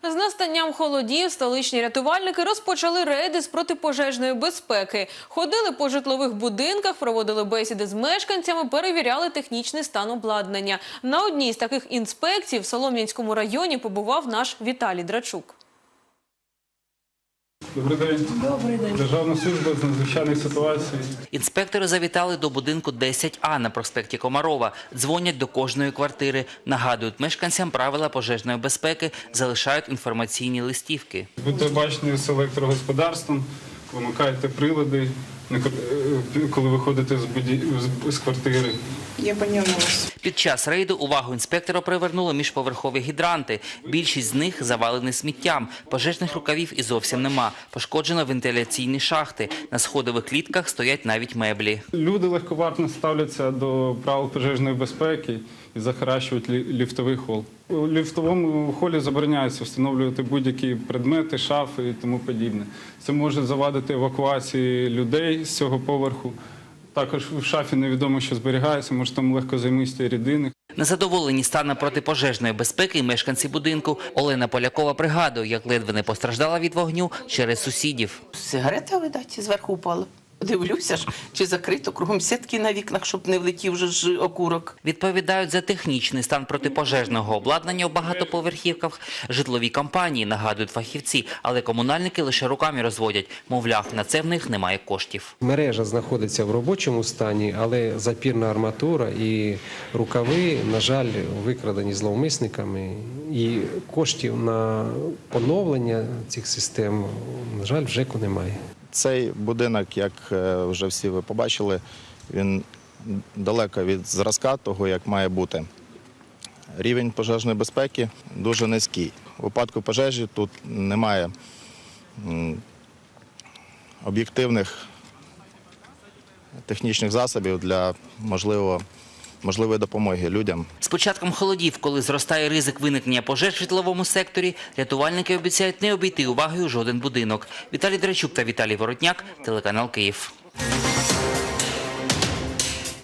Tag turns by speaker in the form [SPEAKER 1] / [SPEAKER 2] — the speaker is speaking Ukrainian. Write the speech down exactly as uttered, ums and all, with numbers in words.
[SPEAKER 1] З настанням холодів столичні рятувальники розпочали рейди з протипожежної безпеки. Ходили по житлових будинках, проводили бесіди з мешканцями, перевіряли технічний стан обладнання. На одній з таких інспекцій в Солом'янському районі побував наш Віталій Драчук.
[SPEAKER 2] Добрий день.
[SPEAKER 3] Добрий день.
[SPEAKER 2] Державна служба з надзвичайних ситуацій.
[SPEAKER 4] Інспектори завітали до будинку десять А на проспекті Комарова. Дзвонять до кожної квартири. Нагадують мешканцям правила пожежної безпеки, залишають інформаційні листівки.
[SPEAKER 2] Будьте бачені з електрогосподарством, вимикайте прилади, коли виходите з, буді... з квартири.
[SPEAKER 3] Я поняла вас.
[SPEAKER 4] Під час рейду увагу інспектора привернули міжповерхові гідранти. Більшість з них завалені сміттям. Пожежних рукавів і зовсім нема. Пошкоджено вентиляційні шахти. На сходових клітках стоять навіть меблі.
[SPEAKER 2] Люди легковажно ставляться до правил пожежної безпеки і захаращують ліфтовий хол. У ліфтовому холі забороняється встановлювати будь-які предмети, шафи і тому подібне. Це може завадити евакуації людей з цього поверху. Також в шафі невідомо, що зберігається, може там легкозаймисті рідини.
[SPEAKER 4] Незадоволені станом протипожежної безпеки і мешканці будинку. Олена Полякова пригадує, як ледве не постраждала від вогню через сусідів.
[SPEAKER 3] Сигарета, видать, зверху упала. Дивлюся ж, чи закрито, кругом сітки на вікнах, щоб не влетів вже ж окурок.
[SPEAKER 4] Відповідають за технічний стан протипожежного обладнання у багатоповерхівках. Житлові компанії, нагадують фахівці, але комунальники лише руками розводять. Мовляв, на це в них немає коштів.
[SPEAKER 5] Мережа знаходиться в робочому стані, але запірна арматура і рукави, на жаль, викрадені зловмисниками. І коштів на поновлення цих систем, на жаль, в ЖЕКу немає.
[SPEAKER 6] Цей будинок, як вже всі ви побачили, він далеко від зразка того, як має бути. Рівень пожежної безпеки дуже низький. У випадку пожежі тут немає об'єктивних технічних засобів для можливого можливої допомоги людям.
[SPEAKER 4] З початком холодів, коли зростає ризик виникнення пожеж в житловому секторі, рятувальники обіцяють не обійти увагою жоден будинок. Віталій Драчук та Віталій Воротняк, телеканал Київ.